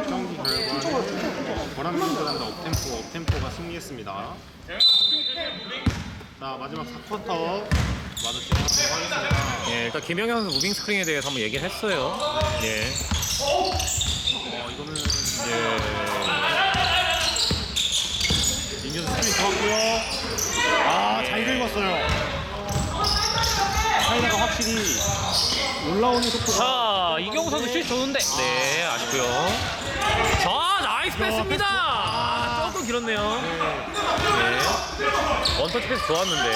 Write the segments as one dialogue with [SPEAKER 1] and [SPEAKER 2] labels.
[SPEAKER 1] 경기 결과는 보람민주단과 업템포가 승리했습니다. 자, 마지막 4쿼터 마주치도록 하겠습니다.
[SPEAKER 2] 예, 일단 김영현 선수 무빙 스크린에 대해서 한번 얘기를 했어요. 예.
[SPEAKER 1] 이거는
[SPEAKER 2] 예.
[SPEAKER 1] 민규 스크린 좋았고요. 잘 긁었어요. 차이나가 확실히 올라오는 속도가.
[SPEAKER 2] 자, 이경우 선수 슛 좋은데. 네, 아쉽고요. 자, 나이스 패스입니다. 조금 길었네요. 네. 원터치 패스 좋았는데.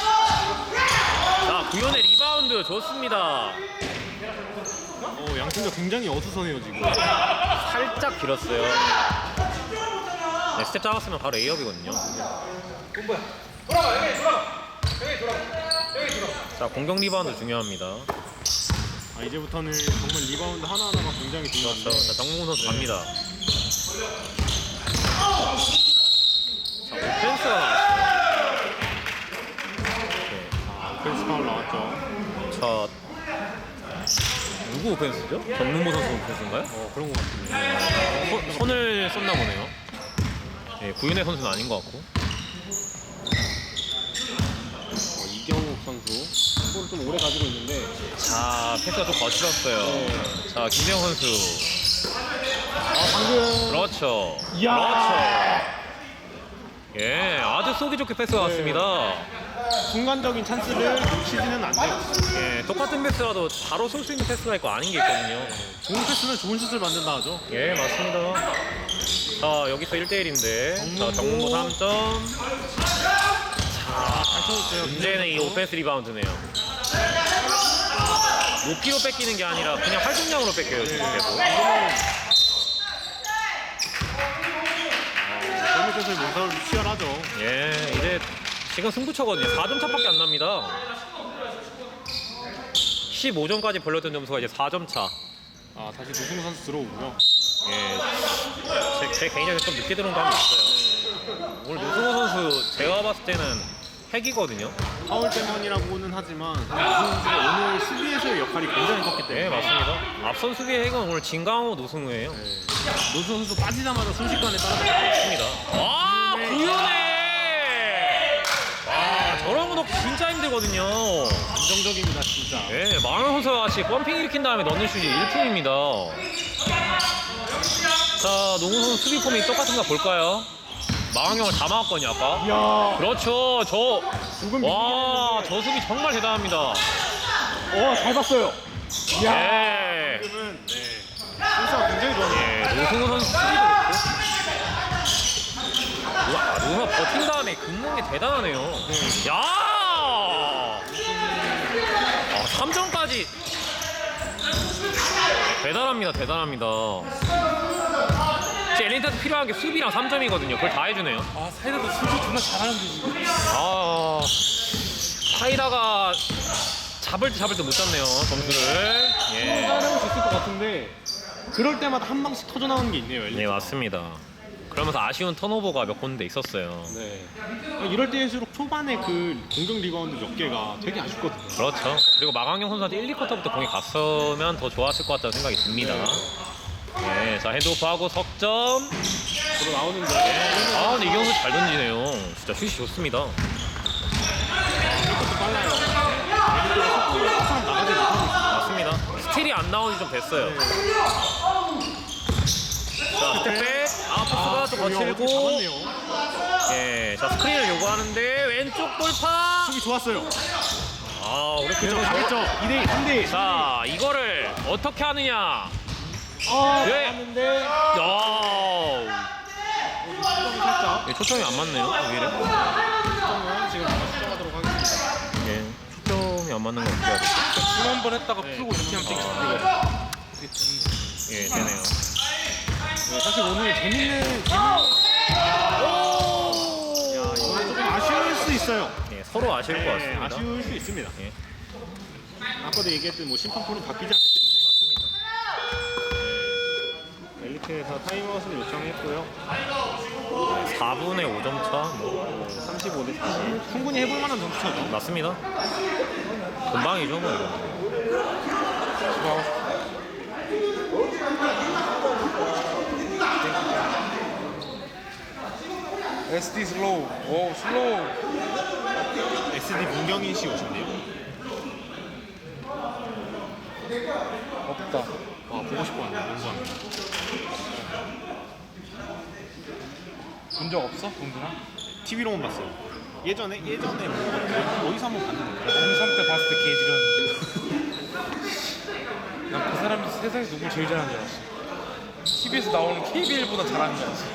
[SPEAKER 2] 자, 구현의 리바운드 좋습니다.
[SPEAKER 1] 양팀도 굉장히 어수선해요 지금.
[SPEAKER 2] 살짝 길었어요. 네, 스텝 잡았으면 바로 에이업이거든요. 자, 공격 리바운드 중요합니다.
[SPEAKER 1] 이제부터는 정말 리바운드 하나하나가 굉장히 중요한데.
[SPEAKER 2] 그렇죠. 자, 정몽훈 선수 갑니다. 자, 오펜스가 나왔어요.
[SPEAKER 1] 오펜스 파울 나왔죠.
[SPEAKER 2] 자, 누구 오펜스죠? 정몽훈 선수 오펜스인가요?
[SPEAKER 1] 그런 것 같은데.
[SPEAKER 2] 손을 썼나 보네요. 예, 구윤혜 선수는 아닌 것 같고.
[SPEAKER 1] 이경욱 선수 볼을 좀 오래 가지고 있는데.
[SPEAKER 2] 자, 패스가 좀 거칠었어요. 자, 김대영 선수.
[SPEAKER 1] 방금.
[SPEAKER 2] 그렇죠.
[SPEAKER 1] 이야.
[SPEAKER 2] 그렇죠. 예, 아주 쏘기 좋게 패스가 왔습니다.
[SPEAKER 1] 순간적인 찬스를 놓치지는 않네요.
[SPEAKER 2] 예, 똑같은 패스라도 바로 쏠 수 있는 패스가 있고 아닌 게 있거든요.
[SPEAKER 1] 좋은 패스는 좋은 슛을 만든다 하죠.
[SPEAKER 2] 예, 맞습니다. 자, 여기서 1대1인데. 자, 정문보 3점.
[SPEAKER 1] 잘 쳐줬어요.
[SPEAKER 2] 문제는 이 오펜스 리바운드네요. 높이로 뺏기는 게 아니라 그냥 활동량으로 뺏겨요, 지금 계속.
[SPEAKER 1] 젊은 선수의 몸싸움이 치열하죠.
[SPEAKER 2] 예, 이제 지금 승부처거든요. 4점 차밖에 안 납니다. 15점까지 벌렸던 점수가 이제 4점 차.
[SPEAKER 1] 다시 노승우 선수 들어오고요.
[SPEAKER 2] 예, 제 개인적으로 좀 늦게 들어온 감이 있어요. 오늘 노승호 선수 제가 봤을 때는 핵이거든요.
[SPEAKER 1] 파울 때문이라고는 하지만 노승우 선수가 오늘 수비에서의 역할이 굉장히 컸기 때문에.
[SPEAKER 2] 네, 맞습니다. 앞선 수비의 핵은 오늘 진강호 노승우예요.
[SPEAKER 1] 노승우 선수 빠지자마자 순식간에 따라잡았습니다.
[SPEAKER 2] 맞습니다. 와, 구윤해! 와, 저런 거 넣기 진짜 힘들거든요.
[SPEAKER 1] 안정적입니다, 진짜.
[SPEAKER 2] 예, 마흔 선수가 같이 펌핑 일으킨 다음에 넣는 슛이 1품입니다. 자, 농구 선수 수비 폼이 똑같은가 볼까요? 마왕형을 다 막았거든요, 아까.
[SPEAKER 1] 이야.
[SPEAKER 2] 그렇죠.
[SPEAKER 1] 조금
[SPEAKER 2] 와, 저 수비 정말 대단합니다.
[SPEAKER 1] 잘 봤어요.
[SPEAKER 2] 예.
[SPEAKER 1] 지금은 선수가 굉장히 좋아요.
[SPEAKER 2] 예, 노승우 선수 수비도 그렇고. 와, 노승우가 버틴 다음에 긋는 게 대단하네요. 야! 3점까지. 대단합니다, 대단합니다. 엘리트한테 필요한 게 수비랑 3점이거든요. 그걸 다 해주네요.
[SPEAKER 1] 사이다도 수비 정말 잘하는데 지금.
[SPEAKER 2] 사이다가 잡을 때 못 잡네요, 점수를. 예.
[SPEAKER 1] 잘하고 있을 것 같은데 그럴 때마다 한 방씩 터져 나오는 게 있네요.
[SPEAKER 2] 네, 맞습니다. 그러면서 아쉬운 턴오버가 몇 군데 있었어요.
[SPEAKER 1] 네. 이럴 때일수록 초반에 그 공격 리바운드 몇 개가 되게 아쉽거든요.
[SPEAKER 2] 그렇죠. 그리고 마광경 선수한테 1, 2쿼터부터 공이 갔으면 더 좋았을 것 같다는 생각이 듭니다. 네, 자, 핸드오프하고 석점.
[SPEAKER 1] 들어 나오는데.
[SPEAKER 2] 근데 이경수 잘 던지네요. 진짜 슛이 좋습니다.
[SPEAKER 1] 이것도 빨라요. 속도가 나가지 못하고 있어요.
[SPEAKER 2] 맞습니다. 스틸이 안 나온 지 좀 됐어요. 자, 스텝백. 아프스가 또 거칠고.
[SPEAKER 1] 잡았네요.
[SPEAKER 2] 예, 자, 스크린을 요구하는데 왼쪽 돌파.
[SPEAKER 1] 수비 좋았어요.
[SPEAKER 2] 우리
[SPEAKER 1] 그죠, 잘했죠. 2대1, 3대1.
[SPEAKER 2] 자, 이거를 어떻게 하느냐. 예.
[SPEAKER 1] 잡았는데. 살짝.
[SPEAKER 2] 예, 초점이 안 맞네요. 왜 이래?
[SPEAKER 1] 수정은 지금 수정하도록 하겠습니다.
[SPEAKER 2] 예, 초점이 안 맞는 거 어떻게 해야 되지?
[SPEAKER 1] 한번 했다가 풀고 이렇게 하면
[SPEAKER 2] 예, 되네요.
[SPEAKER 1] 사실 오늘 재밌는 이거는 조금 아쉬울 수 있어요.
[SPEAKER 2] 예, 서로 아쉬울 것 같습니다.
[SPEAKER 1] 아쉬울 수 있습니다.
[SPEAKER 2] 예,
[SPEAKER 1] 아까도 얘기했듯 심판풀은 바뀌지 않기 때문에.
[SPEAKER 2] 맞습니다.
[SPEAKER 1] 엘리트에서 타임아웃을 요청했고요.
[SPEAKER 2] 4분의 5점 차.
[SPEAKER 1] 35대 40. 충분히 해볼 만한 점수차죠.
[SPEAKER 2] 맞습니다. 금방이죠, 뭐 이거.
[SPEAKER 3] SD 슬로우. 오 슬로우.
[SPEAKER 1] SD 문경인 씨 오셨네요.
[SPEAKER 3] 없다.
[SPEAKER 1] 보고 싶었는데 농구하는.
[SPEAKER 3] 본 적 없어? 동준아?
[SPEAKER 1] TV로만 봤어요. 예전에 뭐 어디서 한번 봤는데.
[SPEAKER 3] 중3 때 봤을 때 개지렸는데. 난 그 사람이 세상에서 누굴 제일 잘하는 줄 알았어. TV에서 나오는 KBL보다 잘하는 줄 알았어.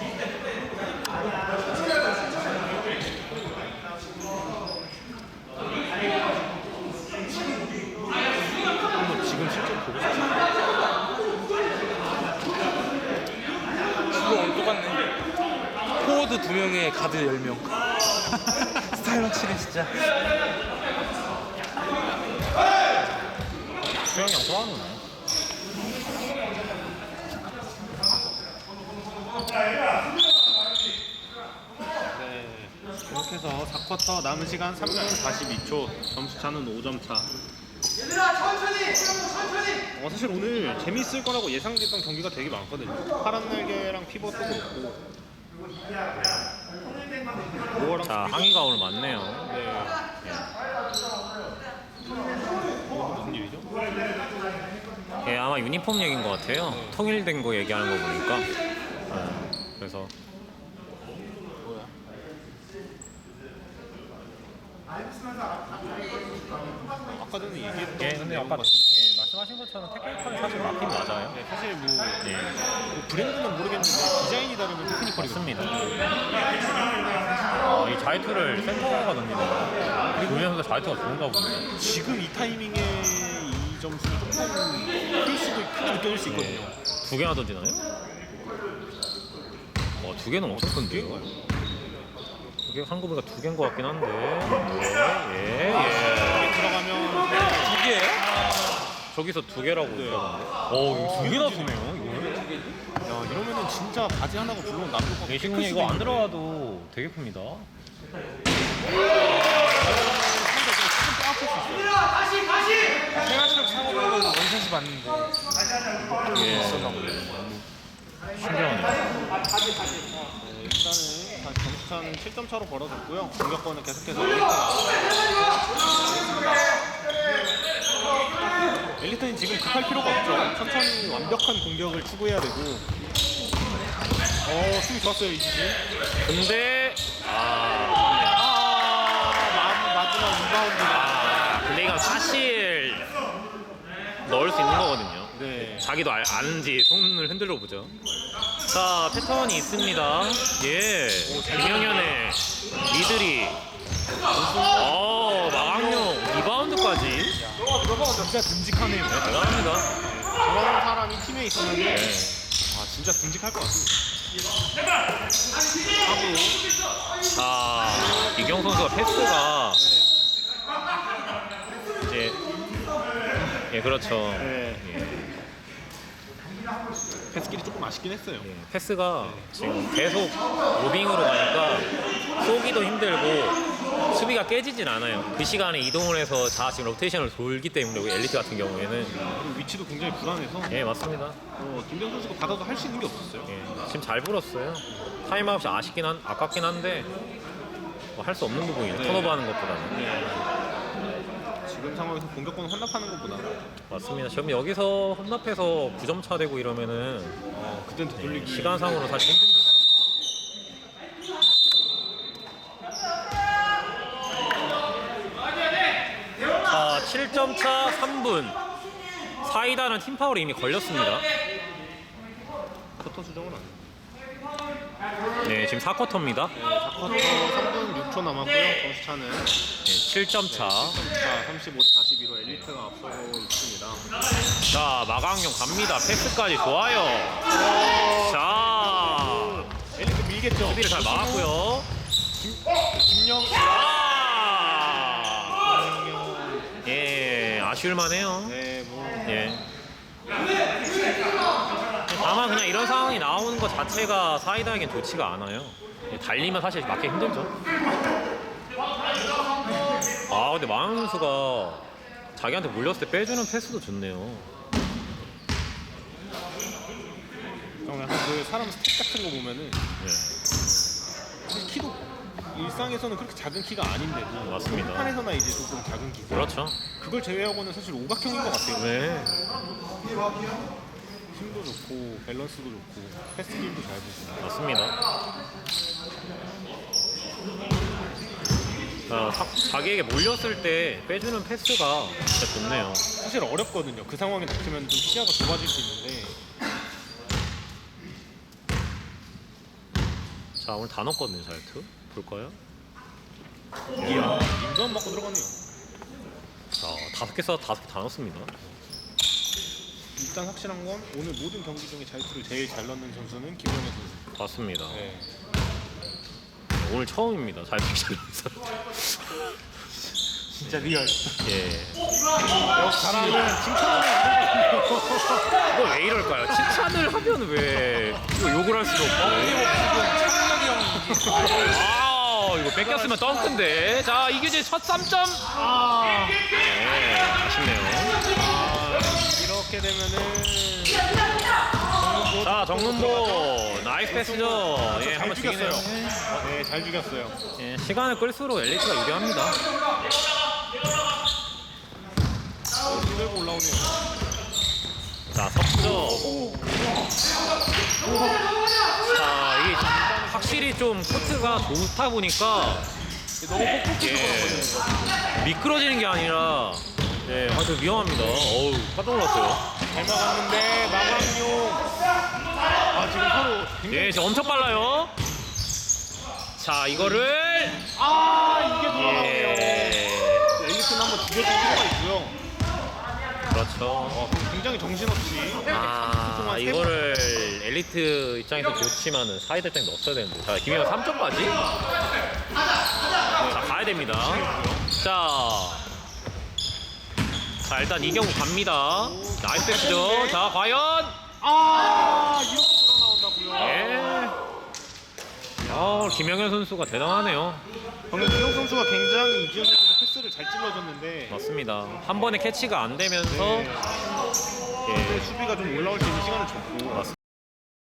[SPEAKER 1] 한번 지금 실제로 보고 싶어요.
[SPEAKER 3] 지금 오늘 똑같네. 포워드 2명에 가드 10명. 스타일 확실해 진짜.
[SPEAKER 2] 수영이 형 좋아하는
[SPEAKER 1] 네, 이렇게 해서 4쿼터 남은 시간 3분 42초, 점수차는 5점 차. 사실 오늘 재밌을 거라고 예상됐던 경기가 되게 많거든요. 파란 날개랑 피벗도 그렇고. 네.
[SPEAKER 2] 자, 항의가 오늘 많네요.
[SPEAKER 1] 네. 무슨 일이죠?
[SPEAKER 2] 예, 아마 유니폼 얘기인 것 같아요. 통일된 거 얘기하는 거 보니까. 그래서
[SPEAKER 1] 아까 전에 얘기했던
[SPEAKER 2] 예, 근데 아까 말씀하신 것처럼 테크니컬이 사실 맞긴 맞아요.
[SPEAKER 1] 네, 사실 뭐
[SPEAKER 2] 예,
[SPEAKER 1] 브랜드는 모르겠는데 디자인이 다르면 테크니컬이거든요.
[SPEAKER 2] 맞습니다. 이 자이투를 센터가 던지네요. 우리 선수 자이투가 좋은가 보네요.
[SPEAKER 1] 지금 이 타이밍에 이 점수는 조금 클 수도 크게 느껴질 수 있거든요.
[SPEAKER 2] 두 개나 던지나요? 두 개는 엄청 큰데요? 이게 한국이가 두 개인 것 같긴 한데.
[SPEAKER 1] 여기 들어가면
[SPEAKER 3] 두 개예요?
[SPEAKER 2] 저기서 두 개라고 들어갔는데. 이거 두 개나 주네요. 이거는.
[SPEAKER 1] 야, 이러면은 진짜 바지 하나가 물론 남을 것 같고
[SPEAKER 2] 예시군이 이거 안 들어가도 되게 큽니다.
[SPEAKER 3] 생활실력 사고 보면 원샷이 맞는데.
[SPEAKER 2] 예.
[SPEAKER 3] 있었나 보네.
[SPEAKER 2] 신기하네요.
[SPEAKER 1] 일단은 다시 점수차는 7점 차로 벌어졌고요. 공격권은 계속해서 엘리트는 지금 급할 필요가 없죠. 천천히 완벽한 공격을 추구해야 되고. 수비 좋았어요 이지지.
[SPEAKER 2] 근데
[SPEAKER 1] 마지막 리바운드.
[SPEAKER 2] 근데 이건 사실 넣을 수 있는 거거든요.
[SPEAKER 1] 네.
[SPEAKER 2] 자기도 아는지 손을 흔들어 보죠. 자, 패턴이 있습니다. 예. 김영현의 미들이. 마강용 리바운드까지.
[SPEAKER 1] 진짜 듬직하네요.
[SPEAKER 2] 네, 대단합니다.
[SPEAKER 1] 저런 사람이 팀에 있었는데
[SPEAKER 2] 네.
[SPEAKER 1] 진짜 듬직할 것 같습니다.
[SPEAKER 2] 자, 이경 선수가 패스가 이제 그렇죠.
[SPEAKER 1] 네.
[SPEAKER 2] 예.
[SPEAKER 1] 패스길이 조금 아쉽긴 했어요.
[SPEAKER 2] 패스가 지금 계속 로빙으로 가니까 쏘기도 힘들고 수비가 깨지진 않아요. 그 시간에 이동을 해서 지금 로테이션을 돌기 때문에 우리 엘리트 같은 경우에는
[SPEAKER 1] 그리고 위치도 굉장히 불안해서
[SPEAKER 2] 예, 맞습니다.
[SPEAKER 1] 김병 선수가 받아도 할 수 있는 게 없었어요.
[SPEAKER 2] 예, 지금 잘 불었어요. 타임아웃이 아깝긴 한데 할 수 없는 부분이에요.
[SPEAKER 1] 네.
[SPEAKER 2] 턴오버하는 것보다는.
[SPEAKER 1] 지금 상황에서 공격권 혼납하는 것보다
[SPEAKER 2] 맞습니다. 지금 여기서 혼납해서 9점 차 되고 이러면은
[SPEAKER 1] 그땐 되돌리기
[SPEAKER 2] 시간상으로 사실 힘듭니다. 자, 7점 차 3분. 사이다는 팀 파울이 이미 걸렸습니다.
[SPEAKER 1] 쿼터 수정은 안 돼요.
[SPEAKER 2] 네, 지금 4쿼터입니다.
[SPEAKER 1] 4쿼터 3분 6초 남았고요. 점수차는
[SPEAKER 2] 7점 차.
[SPEAKER 1] 35대 42로 엘리트가 앞서고 있습니다.
[SPEAKER 2] 자, 마강용 갑니다. 패스까지 좋아요. 자,
[SPEAKER 1] 엘리트 밀겠죠.
[SPEAKER 2] 수비를 잘 막았고요.
[SPEAKER 1] 김영
[SPEAKER 2] 예, 아쉬울만해요.
[SPEAKER 1] 네, 뭐
[SPEAKER 2] 예. 다만 그냥 이런 상황이 나오는 것 자체가 사이다에겐 좋지가 않아요. 예, 달리면 사실 맞기 힘들죠. 근데 마은 선수가 자기한테 몰렸을 때 빼주는 패스도 좋네요.
[SPEAKER 1] 약간 그 사람 스텝 같은 거 보면은
[SPEAKER 2] 예.
[SPEAKER 1] 사실 키도 일상에서는 그렇게 작은 키가 아닌데도
[SPEAKER 2] 맞습니다.
[SPEAKER 1] 판에서나 이제 조금 작은 키.
[SPEAKER 2] 그렇죠.
[SPEAKER 1] 그걸 제외하고는 사실 오각형인 것 같아요.
[SPEAKER 2] 네.
[SPEAKER 1] 힘도 좋고 밸런스도 좋고 패스길도 잘 보고.
[SPEAKER 2] 맞습니다. 자기에게 몰렸을 때 빼주는 패스가 진짜 좋네요.
[SPEAKER 1] 사실 어렵거든요. 그 상황에 닥치면 좀 시야가 좁아질 수 있는데.
[SPEAKER 2] 자, 오늘 다 넣었거든요, 자유투. 볼까요?
[SPEAKER 1] 이야, 인도안 맞고 들어가네요.
[SPEAKER 2] 자, 5개 써서 5개 다 넣었습니다.
[SPEAKER 1] 일단 확실한 건 오늘 모든 경기 중에 자유투를 제일 잘 넣는 선수는 김영현 선수.
[SPEAKER 2] 맞습니다.
[SPEAKER 1] 네.
[SPEAKER 2] 오늘 처음입니다. 자유투 잘 넣는 사람.
[SPEAKER 3] 진짜 리얼.
[SPEAKER 2] 예.
[SPEAKER 1] 잘하면 칭찬을 해야 되거든요.
[SPEAKER 2] 이거 왜 이럴까요? 칭찬을 하면 왜 이거 욕을 할 수도 없고. 아, 이거 뺏겼으면 덩크인데. 자, 이규진 첫 3점. 네, 아쉽네요.
[SPEAKER 1] 이렇게 되면은
[SPEAKER 2] 자, 정문보 나이스 패스죠. 예,
[SPEAKER 1] 잘
[SPEAKER 2] 한번
[SPEAKER 1] 죽였어요.
[SPEAKER 2] 죽이네요.
[SPEAKER 1] 네, 잘 죽였어요.
[SPEAKER 2] 예, 시간을 끌수록 엘리트가 유리합니다.
[SPEAKER 1] 들고 올라오네요.
[SPEAKER 2] 자, 석점. 자, 이게 확실히 좀 코트가 좋다 보니까
[SPEAKER 1] 너무 뻑뻑해서
[SPEAKER 2] 예, 미끄러지는 게 아니라 예, 아주 위험합니다. 어우, 깜짝 놀랐어요.
[SPEAKER 1] 잘 막았는데 마감용. 아 지금 서로 굉장히
[SPEAKER 2] 예, 지금 엄청 빨라요. 자, 이거를
[SPEAKER 1] 이게 돌아가네요.
[SPEAKER 2] 예,
[SPEAKER 1] 엘리트는 한번 죽여줄 필요가 있고요.
[SPEAKER 2] 그렇죠.
[SPEAKER 1] 굉장히 정신없이
[SPEAKER 2] 이거를 엘리트 입장에서 좋지만은 사이드 입장에 넣었어야 되는데. 자, 김희영 3점까지. 자, 가야 됩니다. 자, 일단 이경우 갑니다. 나이스 패스죠. 자, 과연.
[SPEAKER 1] 이렇게 돌아 나온다고요.
[SPEAKER 2] 예. 김영현 선수가 대단하네요.
[SPEAKER 1] 방금 김영 선수가 굉장히 이지현 선수가 패스를 잘 찔러줬는데
[SPEAKER 2] 맞습니다. 한 번에 캐치가 안 되면서
[SPEAKER 1] 네.
[SPEAKER 2] 예,
[SPEAKER 1] 수비가 좀 올라올 수 있는 시간을 줬고.
[SPEAKER 2] 맞습니다.